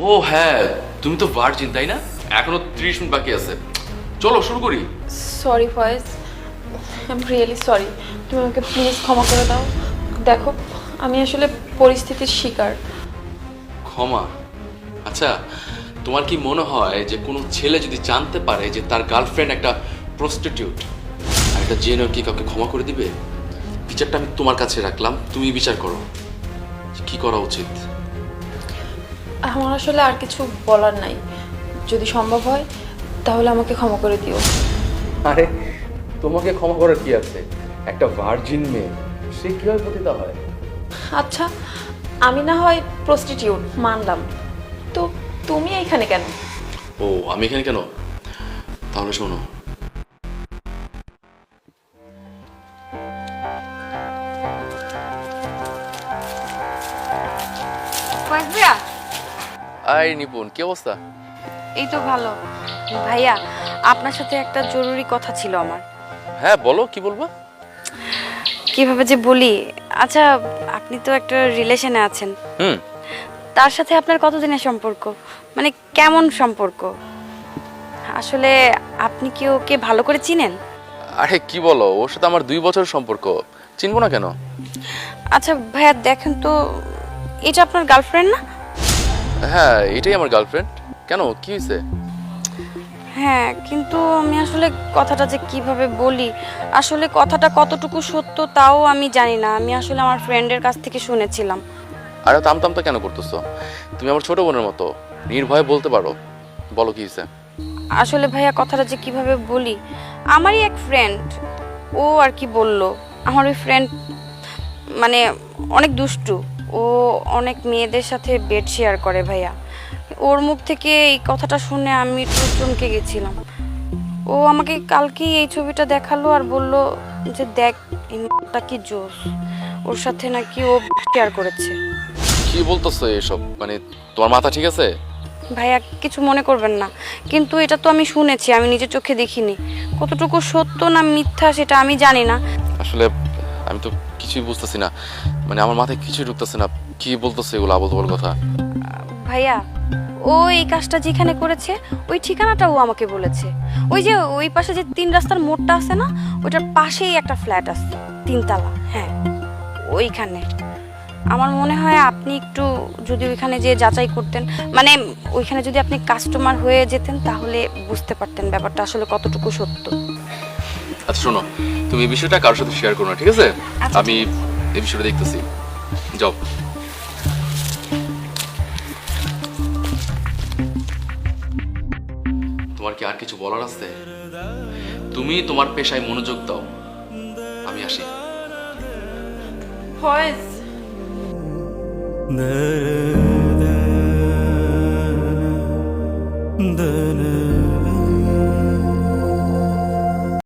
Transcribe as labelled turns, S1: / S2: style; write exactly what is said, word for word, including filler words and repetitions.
S1: ও হ্যাঁ, তুমি তো ভার্জিন তাই না? এখনো ত্রিশ মিনিট বাকি আছে, চলো শুরু করি।
S2: Sorry Faiz, I am really sorry. তুমি আমাকে প্লিজ ক্ষমা করে দাও। দেখো, আমি আসলে পরিস্থিতির শিকার।
S1: ক্ষমা? আচ্ছা, তোমার কি মনে হয় যে কোনো ছেলে যদি জানতে পারে যে তার গার্লফ্রেন্ড একটা প্রস্টিটিউট আর এটা জেনে কি কাউকে ক্ষমা করে দিবে? বিচারটা আমি তোমার কাছে রাখলাম, তুমি বিচার করো কি করা উচিত।
S2: আমার আসলে আর কিছু বলার নাই। যদি সম্ভব হয় তাহলে আমাকে ক্ষমা করে দিও।
S1: আরে তোমাকে ক্ষমা করার কি আছে? একটা ভার্জিন মেয়ে, সে কিভাবে পতিতা হয়?
S2: আচ্ছা, আমি না হয় প্রস্টিটিউট মানলাম, তো তুমি এখানে কেন?
S1: ও আমি এখানে কেন? তাহলে শোনো,
S3: ফয়েজ ভাইয়া,
S1: আই নিপুণ, কি অবস্থা?
S3: এই তো ভালো। ভাইয়া, আপনার সাথে একটা জরুরি কথা ছিল আমার।
S1: হ্যাঁ বলো, কি বলবো?
S3: কিভাবে যে বলি, আচ্ছা আপনি তো একটা রিলেশনে আছেন,
S1: হুম।
S3: তার সাথে আপনার কতদিনের সম্পর্ক? মানে কেমন সম্পর্ক? আসলে আপনি কি ওকে ভালো করে চিনেন?
S1: আরে কি বলো, ওর সাথে আমার দুই বছর সম্পর্ক, চিনবো না কেন?
S3: আচ্ছা ভাইয়া দেখেন তো, এটা আপনার গার্লফ্রেন্ড না?
S1: হ্যাঁ এটাই আমার গার্লফ্রেন্ড। কেন, কি হয়েছে?
S3: হ্যাঁ, কিন্তু আমি আসলে কথাটা যে কিভাবে বলি, আসলে কথাটা কতটুকু সত্য তাও আমি জানি না। আমি আসলে আমার ফ্রেন্ডের কাছ থেকে শুনেছিলাম।
S1: আরে তামতামতা কেন করতেছো? তুমি আমার ছোট বোনের মতো, নির্ভয়ে বলতে পারো, বলো কি হয়েছে?
S3: আসলে ভাইয়া কথাটা যে কিভাবে বলি, আমারই এক ফ্রেন্ড, ও আর কি বলল। আমার ওই ফ্রেন্ড মানে অনেক দুষ্টু, ও অনেক মেয়েদের সাথে বেড শেয়ার করে ভাইয়া। ওর মুখ থেকে এই কথাটা শুনে আমি একটু চমকে গেছিলাম। ও আমাকে কালকেই এই ছবিটা দেখালো আর বলল যে দেখ এই মেয়েটা কি জোস, ওর সাথে নাকি ও শেয়ার করেছে।
S1: কি বলতেছো এসব? মানে তোমার মাথা ঠিক আছে?
S3: ভাইয়া কিছু মনে করবেন না, কিন্তু এটা তো আমি শুনেছি, আমি নিজের চোখে দেখিনি। কতটুকু সত্য না মিথ্যা সেটা আমি জানি না।
S1: আসলে আমি তো কিছুই বুঝতেছি না, মানে আমার মাথায় কিছুই ঢুকতেছে না, কি বলতেছে এগুলো আবল তাবল কথা।
S3: ভাইয়া ও এই কাজটা যেখানে করেছে ওই ঠিকানাটা ও আমাকে বলেছে। ওই যে ওই পাশে যে তিন রাস্তার মোড়টা আছে না, ওইটার পাশেই একটা ফ্ল্যাট আছে, তিনতলা। হ্যাঁ ওইখানে। আমার মনে হয় আপনি একটু যদি ওইখানে যে যাচাই করতেন, মানে ওইখানে যদি আপনি কাস্টমার হয়ে যেতেন তাহলে বুঝতে পারতেন ব্যাপারটা আসলে কতটুকু সত্য।
S1: আচ্ছা শোনো, তুমি এই বিষয়টা কারোর সাথে শেয়ার করো না, ঠিক আছে?
S3: আচ্ছা,
S1: আমি এই বিষয়টা দেখতেছি, যাও। তোমার কি আর কিছু বলার আছে? তুমি তোমার পেশায় মনোযোগ দাও, আমি আসি।
S2: ফয়েজ,
S4: the